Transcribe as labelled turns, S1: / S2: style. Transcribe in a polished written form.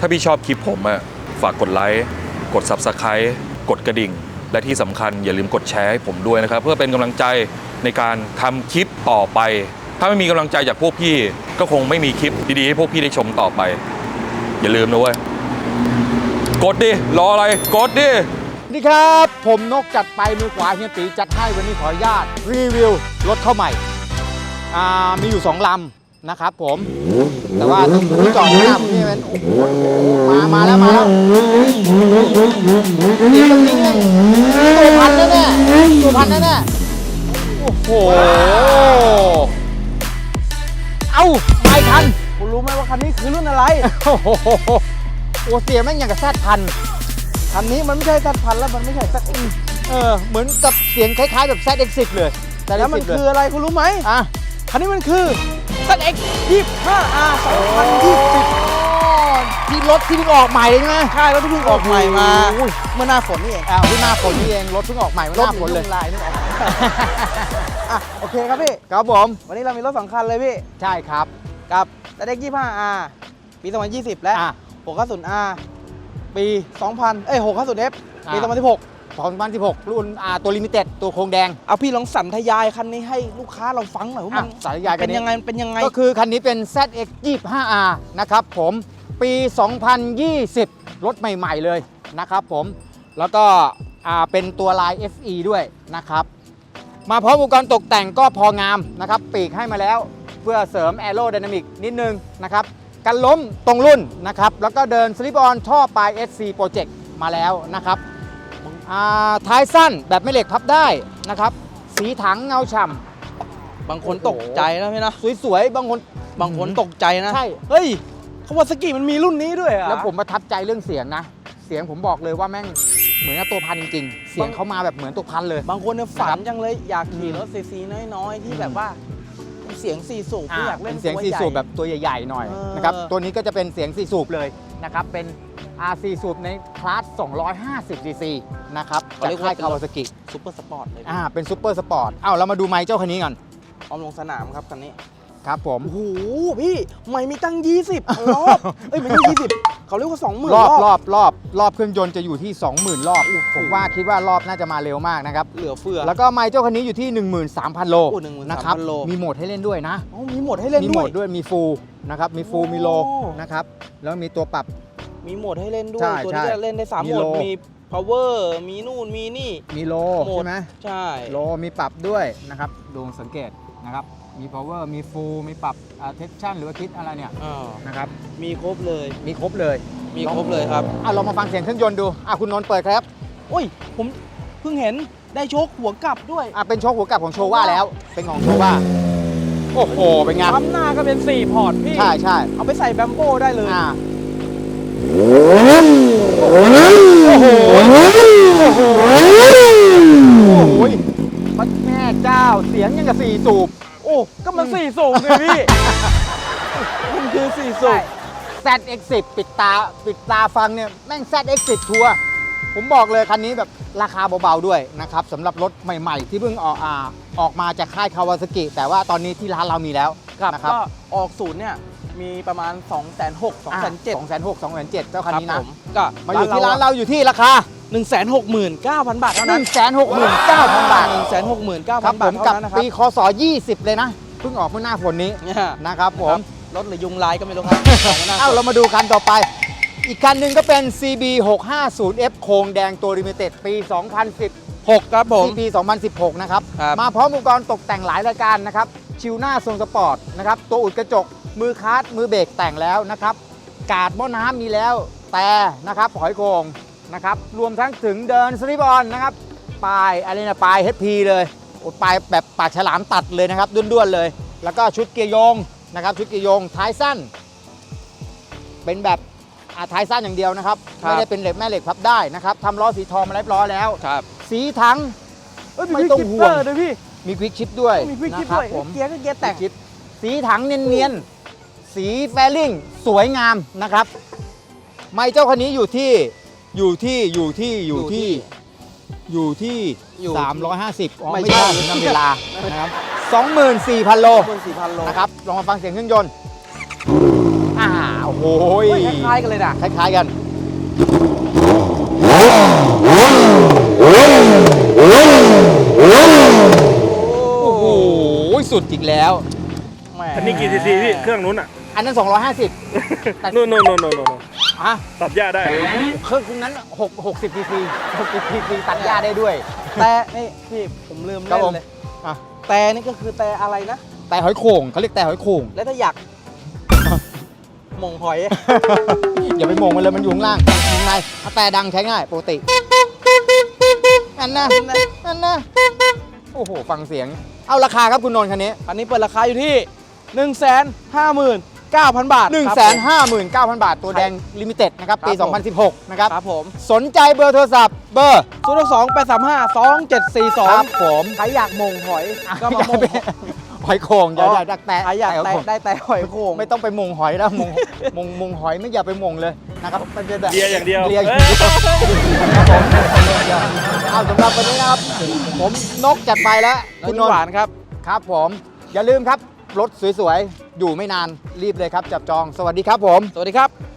S1: าพี่ชอบคลิปผมอะฝากกดไลค์กด Subscribe กดกระดิ่งและที่สำคัญอย่าลืมกดแชร์ให้ผมด้วยนะครับเพื่อเป็นกำลังใจในการทำคลิปต่อไปถ้าไม่มีกำลังใจจากพวกพี่ก็คงไม่มีคลิปดีๆให้พวกพี่ได้ชมต่อไปอย่าลืมนะเว้ยกดดิรออะไรกดดิ
S2: สวัสดีครับผมนกจัดไปมือขวาเฮียตีจัดให้วันนี้ขออนุญาตรีวิวรถเข้าใหม่มีอยู่2ลำนะครับผมแต่ว่าต้องจอดหน้าผมนี่มันโอ้โหมาแล้วนี่ตรงนี้ตัวพันแน่โอ้โหเอ้าไม่ทันคุณรู้ไหมว่าคันนี้คือรุ่นอะไรโอ้โหเสียงแม่งอย่างกับแซดพันคันนี้มันไม่ใช่ซัดพันแล้วมันไม่ใช่ซัดเหมือนกับเสียงคล้ายๆแบบZX10เลยแล้วมันคืออะไรคุณรู้ไหมคันนี้มันคือ ZX 25R 2020ที่รถที่เพิ่งออกใหม่เลยใช่ไหมใช่รถที่เพิ่งออกใหม่มาเมื่อหน้าฝนนี่เองเมื่อหน้าฝนนี่เองรถเพิ่งออกใหม่เมื่อหน้าฝนเลยลายนึกออกโอเคครับพี่ครับผมวันนี้เรามีรถ2คันเลยพี่ใช่ครับกับ ZX 25R ปี 2020 และ 650Rปี 650F ปี 2016 รุ่นตัวลิมิเต็ดตัวโครงแดงเอาพี่ลองสันทยายคันนี้ให้ลูกค้าเราฟังหน่อยว่ามันสันทยายเป็นยังไงก็คือคันนี้เป็น ZX 25R นะครับผมปี 2020 รถใหม่ๆเลยนะครับผมแล้วก็เป็นตัวลาย FE ด้วยนะครับมาพร้อมอุปกรณ์ตกแต่งก็พองามนะครับปีกให้มาแล้วเพื่อเสริมแอโรไดนามิกนิดนึงนะครับกันล้มตรงรุ่นนะครับแล้วก็เดินสลิปออนท่อปลาย SC Project มาแล้วนะครับท้ายสั้นแบบไม่เหล็กพับได้นะครับสีถังเงาฉ่ำบางคนตกใจนะพี่นะสวยๆบางคนตกใจนะใช่เฮ้ยคาวาซากิมันมีรุ่นนี้ด้วยอะแล้วผมประทับใจเรื่องเสียงนะเสียงผมบอกเลยว่าแม่งเหมือนกับตัวพันจริงๆเสียงเขามาแบบเหมือนตัวพันเลยบางคนเนี่ยฝันจังเลยอยากขี่รถซีน้อยๆที่แบบว่าเสียง4สูบที่อยากเล่นเสียง4สูบแบบตัวใหญ่ๆหน่อยนะครับตัวนี้ก็จะเป็นเสียง4สูบเลยนะครับเป็น R4 สูบในคลาส250 cc นะครับจากค่ายคาวาซากิซุปเปอร์สปอร์ตเลยเป็นซุปเปอร์สปอร์ตเรามาดูไมค์เจ้าคันนี้กันพร้อมลงสนามครับคันนี้ครับผมโอ้โหพี่ไม่มีตั้ง20รอบไม่ใช่20เขาเรียกว่า 20,000 รอบเครื่องยนต์จะอยู่ที่ 20,000 รอบผมว่าคิดว่ารอบน่าจะมาเร็วมากนะครับเหลือเฟือแล้วก็ไมค์เจ้าคันนี้อยู่ที่ 13,000 โลนะครับมีโหมดให้เล่นด้วยนะมีโหมดให้เล่นด้วยมีฟูลนะครับมีฟูลมีโลนะครับแล้วมีตัวปรับมีโหมดให้เล่นด้วยตัวนี้จะเล่นได้3โหมดมี power มีนู่นมีนี่มีโลใช่ไหมใช่โลมีปรับด้วยนะครับดูสังเกตนะครับมี power มี full มีปรับtension หรือว่าคิดอะไรเนี่ยนะครับมีครบเลยครับเรามาฟังเสียงเครื่องยนต์ดูคุณนนท์เปิดครับอุ้ยผมเพิ่งเห็นได้โชคหัวกลับด้วยเป็นโชคหัวกลับของโชว่าแล้วเป็นของโชว่าโอ้โหเป็นไงปั๊มหน้าก็เป็น4พอร์ตพี่ใช่เอาไปใส่แบมโบ้ได้เลยโอ้โหมันแม่เจ้าเสียงยังกับ4สูบก็มัน4สูบเลยพี่มันคือ4สูบ ZX10 ปิดตาฟังเนี่ยแม่ง ZX10 ทัวร์ผมบอกเลยคันนี้แบบราคาเบาๆด้วยนะครับสำหรับรถใหม่ๆที่เพิ่งออกมาจากค่ายคาวาซากิแต่ว่าตอนนี้ที่ร้านเรามีแล้วนะครับก็ออกศูนย์เนี่ยมีประมาณ 260,000 270,000 เจ้าคันนี้นะก็มาอยู่ที่ร้านเราอยู่ที่ราคา 169,000 บาทเท่านั้น 169,000 บาท 169,000 บาทกับปีคศ20เลยนะเพิ่งออกเมื่อหน้าฝนนี้นะครับผมรถหรือยุงลายก็ไม่รู้ครับเรามาดูคันต่อไปอีกคันหนึ่งก็เป็น CB 650F โครงแดงตัวลิมิเต็ดปี 2016 ครับผมปี 2016 นะครับมาพร้อมอุปกรณ์ตกแต่งหลายรายการนะครับชิวหน้าทรงสปอร์ตนะครับตัวอุดกระจกมือคาร์ดมือเบรกแต่งแล้วนะครับกาดหม้อน้ำมีแล้วแต่นะครับหอยโข่งนะครับรวมทั้งถึงเดินสลิปออนนะครับปลายอะไรนะปลาย HP เลยปลายแบบปากฉลามตัดเลยนะครับด้วนๆเลยแล้วก็ชุดเกียร์โยงนะครับชุดเกียร์โยงท้ายสั้นเป็นแบบท้ายสั้นอย่างเดียวนะครับไม่ได้เป็นเหล็กแม่เหล็กพับได้นะครับทำล้อสีทองมาเรียบร้อยแล้วสีถังไม่ต้องห่วงพี่มีควิกชิปด้วยนะครับผมเกียร์ก็เกียร์แตกสีถังเนียนๆสีแฟลิ่งสวยงามนะครับไมค์เจ้าคันนี้อยู่ที่350ไม่ใช่นำเวลานะครับ 24,000 โลนะครับลองมาฟังเสียงเครื่องยนต์โโอ้โห
S3: คล้ายๆกันเลยนะ
S2: คล้ายๆกันโอ้โหสุดจริงแล้วแหม
S4: อันนี้กี่ซีซีพี่ เครื่องนู้นอ่ะ
S2: อันนั้น 250 แต่
S4: นู่น
S2: อ่ะ
S4: ตัดหญ้าได้
S2: เครื่องนั้น60 cc 60 cc ตัดหญ้าได้ด้วย
S3: แต่นี่พี่ผมลืม
S2: ครับ
S3: เล่น
S2: ผม
S3: เลย
S2: อ่ะ
S3: แต่นี่ก็คือแต่อะไรนะ
S2: แต่หอยโข่งเขาเรียกแต่หอยโข่ง
S3: แล้วถ้าอยากหม่งหอย
S2: อย่าไปมองมันเลยมันอยู่ข้างล่างข้างในเอาแต่ดังใช้ง่ายปกตินั่นนะนั่นนะโอ้โหฟังเสียงเอาราคาครับคุณนนท์คันนี้
S3: คันนี้เปิดราคาอยู่ที่ 159,000 บาท
S2: 159,000 บาทตัวแดงลิมิเต็ดนะครับปี
S3: ครับผม
S2: 2016 นะครับ
S3: ครับผม
S2: สนใจเบอร์โทรศัพท์เบอร์
S3: 028352742
S2: ครับผม
S3: ใครอยากหม่งหอยก็มาหม่ง
S2: หอยโข่งอย่า
S3: อ๋อ
S2: อย่าดักแตะ
S3: ใครอยาก
S2: ห
S3: แต่
S2: โข่ง
S3: ได้แต่หอยโข่ง
S2: ไม่ต้องไปมงหอยแล้วมงหอยไม่อย่าไปมงเลยนะครับมันจะแบบ
S4: เลียอย่างเดียว
S2: เลียอย่างเดียวครับผมเอาสำหรับวันนี้นะครับผมนกจัดไปแล้ว
S3: คุ
S2: คุณ ณ
S3: น
S2: นน
S3: หวา
S2: ท์
S3: นครับ
S2: ครับผมอย่าลืมครับรถสวยๆอยู่ไม่นานรีบเลยครับจับจองสวัสดีครับผม
S3: สวัสดีครับ